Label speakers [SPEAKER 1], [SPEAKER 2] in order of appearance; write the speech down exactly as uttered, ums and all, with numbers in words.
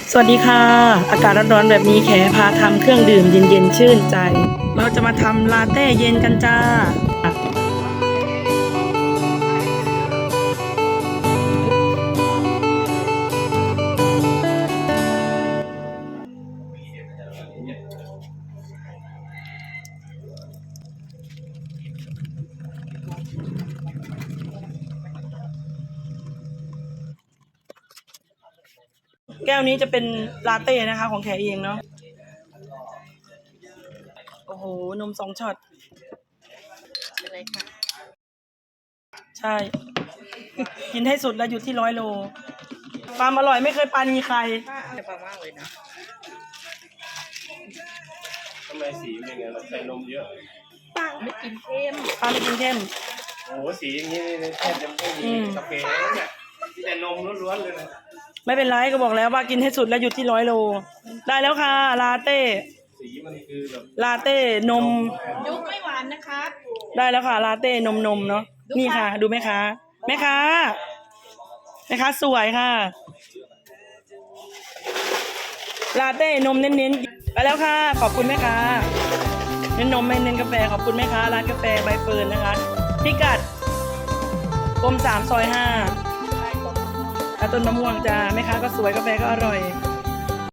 [SPEAKER 1] สวัสดีค่ะอากาศร้อนๆแบบนี้แขพาทำเครื่องดื่มเย็นๆชื่นใจเราจะมาทำลาเต้เย็นกันจ้าแก้วนี้จะเป็นลาเต้นะคะของแขเองเนาะโอ้โหนมสองช็อต
[SPEAKER 2] อะไรค่ะ
[SPEAKER 1] ใช่กินให้สุดแล้วอยู่ที่ร้อยโลความอร่อยไม่เคยปาณีใคร
[SPEAKER 2] ป้าอร่อยมากเลยนะ
[SPEAKER 3] ทำไมสีเป็นไงเราใส่นมเยอะ
[SPEAKER 2] ป้าไม่กินเค็ม
[SPEAKER 1] ปาไม่กินเข้ม
[SPEAKER 3] โอ้โหสีอย่างนี้นี่แทบจะไม่มีกาแฟแล้วเนี่ยมีแต่นมล้วนๆเลยนะ
[SPEAKER 1] ไม่เป็นไรก็บอกแล้วว่ากินให้สุดแล้วอยู่ที่ร้อยโลได้แล้วค่ะลาเต้
[SPEAKER 3] สีมันคือแบบ
[SPEAKER 1] ลาเต้นม
[SPEAKER 2] ยุกไม่หวานนะคะ
[SPEAKER 1] ได้แล้วค่ะลาเต้นมนมเนาะนี่ค่ะดูไหมคะแม่ค้าแม่ค้าสวยค่ะลาเต้นมเน้นๆไปแล้วค่ะขอบคุณแม่ค้าเน้นนมไม่เน้นกาแฟขอบคุณแม่ค้าร้านกาแฟใบเฟิร์นนะคะพิกัดกรมสามซอยห้าต้นมะม่วงจ้าแม่ค้าก็สวยกาแฟก็อร่อย